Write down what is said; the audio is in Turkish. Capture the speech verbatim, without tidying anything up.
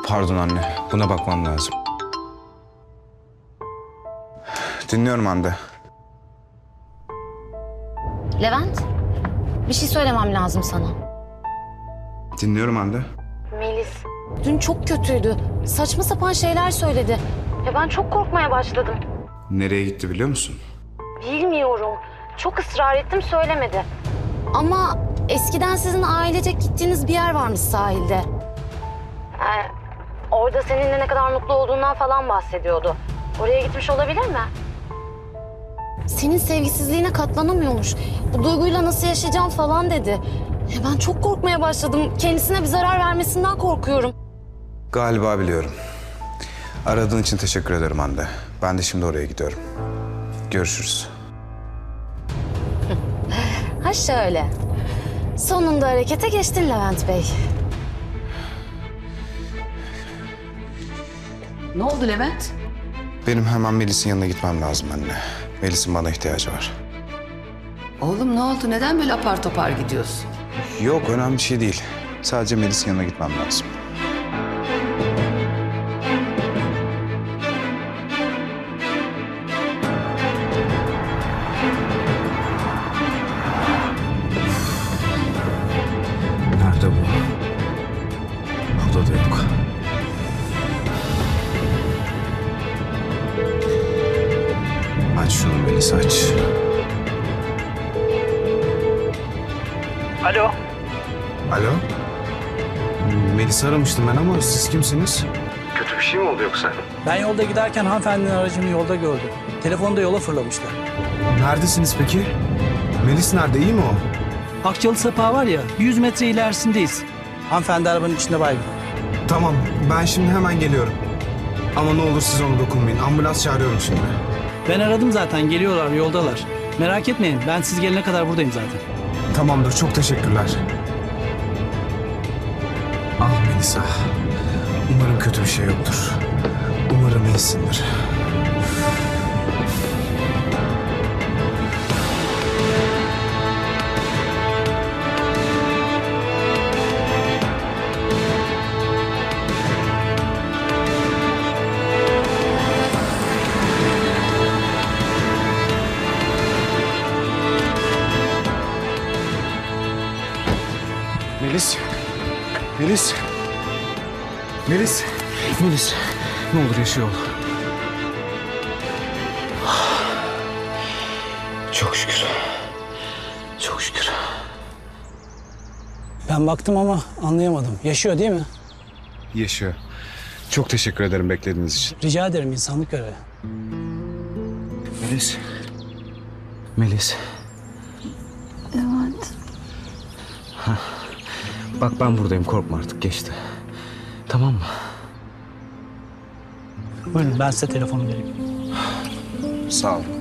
Pardon anne, buna bakmam lazım. Dinliyorum Hande. Levent, bir şey söylemem lazım sana. Dinliyorum Hande. Melis, dün çok kötüydü. Saçma sapan şeyler söyledi. Ya ben çok korkmaya başladım. Nereye gitti biliyor musun? Bilmiyorum. Çok ısrar ettim, söylemedi. Ama eskiden sizin ailecek gittiğiniz bir yer varmış sahilde. Ee, orada seninle ne kadar mutlu olduğundan falan bahsediyordu. Oraya gitmiş olabilir mi? Senin sevgisizliğine katlanamıyormuş. Bu duyguyla nasıl yaşayacağım falan dedi. Ya ben çok korkmaya başladım. Kendisine bir zarar vermesinden korkuyorum. Galiba biliyorum. Aradığın için teşekkür ederim Hande. Ben de şimdi oraya gidiyorum. Görüşürüz. Ha şöyle. Sonunda harekete geçtin Levent Bey. Ne oldu Levent? Benim hemen Melis'in yanına gitmem lazım anne. Melis'in bana ihtiyacı var. Oğlum ne oldu? Neden böyle apar topar gidiyorsun? Yok, önemli bir şey değil. Sadece Melis'in yanına gitmem lazım. Nerede bu? Burada da yok. Aç şunu Melis, aç. Alo. Alo? Melis'i aramıştım ben ama siz kimsiniz? Kötü bir şey mi oldu yoksa? Ben yolda giderken hanımefendinin aracını yolda gördüm. Telefonu da yola fırlamışlar. Neredesiniz peki? Melis nerede, iyi mi o? Akçalı Sapağı var ya, yüz metre ilerisindeyiz. Hanımefendi arabanın içinde baygın. Tamam, ben şimdi hemen geliyorum. Ama ne olur siz ona dokunmayın. Ambulans çağırıyorum şimdi. Ben aradım zaten, geliyorlar, yoldalar. Merak etmeyin, ben siz gelene kadar buradayım zaten. Tamamdır, çok teşekkürler. Ah Melisa. Umarım kötü bir şey yoktur. Umarım iyisindir. Melis. Melis. Melis. Melis. Ne olur yaşıyor ol. Çok şükür. Çok şükür. Ben baktım ama anlayamadım. Yaşıyor değil mi? Yaşıyor. Çok teşekkür ederim beklediğiniz için. Rica ederim, insanlık görevi. Melis. Melis. Levent. Bak ben buradayım, korkma artık, geçti. Tamam mı? Buyurun, ben size telefonu vereyim. Sağ ol.